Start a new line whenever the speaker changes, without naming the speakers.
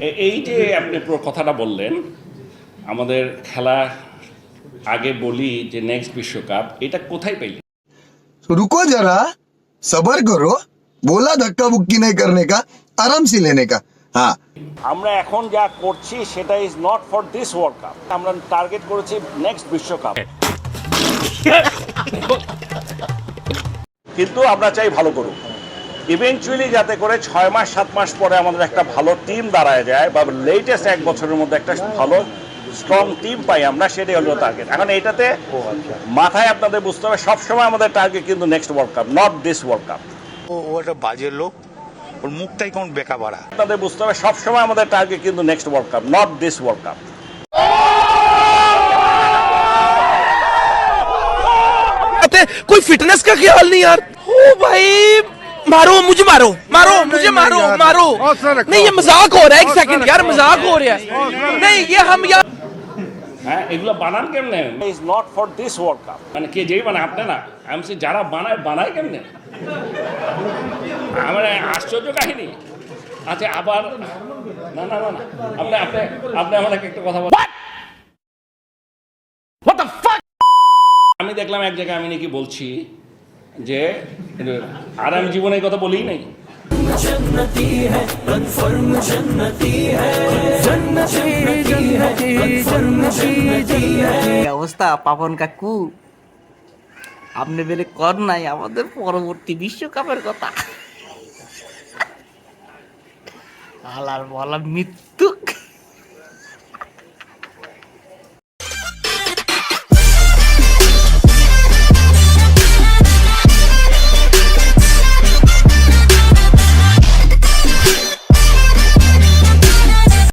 এই যে আপনি পুরো কথাটা বললেন, আমাদের খেলা আগে বলি যে নেক্সট বিশ্বকাপ, এটা কোথায় পেলি?
रुको जरा सबर करो बोला धक्का बुक्की नहीं करने का आराम से लेने का हाँ
আমরা এখন যা করছি সেটা is not for this world cup, আমরা টার্গেট করেছি নেক্সট বিশ্বকাপ। কিন্তু আমরা চাই ভালো করুক, ইভেনচুয়ালি যাতে করে 6 মাস 7 মাস পরে আমাদের একটা ভালো টিম দাঁড়ায় যায়, বা লেটেস্ট 1 বছরের মধ্যে একটা ভালো স্ট্রং টিম পাই আমরা, সেটাই হলো টার্গেট। এখন এইটাতে মাথায় আপনাদের বুঝতে হবে সবসময় আমাদের টার্গেট কিন্তু next world cup, not this world cup.
ও একটা বাজে লোক, ওর মুখটাই কেমন বেকা বাড়া।
আপনাদের বুঝতে হবে সবসময় আমাদের টার্গেট কিন্তু next world cup, not this world cup.
कोई फिटनेस का ख्याल नहीं यार। ओ भाई मारो मुझे, मारो मारो मुझे, मारो मारो। नहीं ये मजाक हो रहा है, एक सेकंड यार, मजाक हो रहा है। नहीं ये हम यार
হ্যাঁ, এগুলো বানান কেমনে? Is not for this world cup, মানে কে যেই বানায়, আপনি না, আমি বলছি যারা বানায় কেমনে, আমার আশ্চর্য কাহিনী। আচ্ছা আবার না না না না, আপনি আপনি আপনি আমাকে একটা কথা বলেন। আমি দেখলাম এক জায়গায় আমি নাকি বলছি যে, আর আমি জীবনে এই কথা বলিই নাই।
অবস্থা পাপন কাকু, আপনি বেলে কর নাই আমাদের পরবর্তী বিশ্বকাপের কথা। আলার বলা মৃত্যু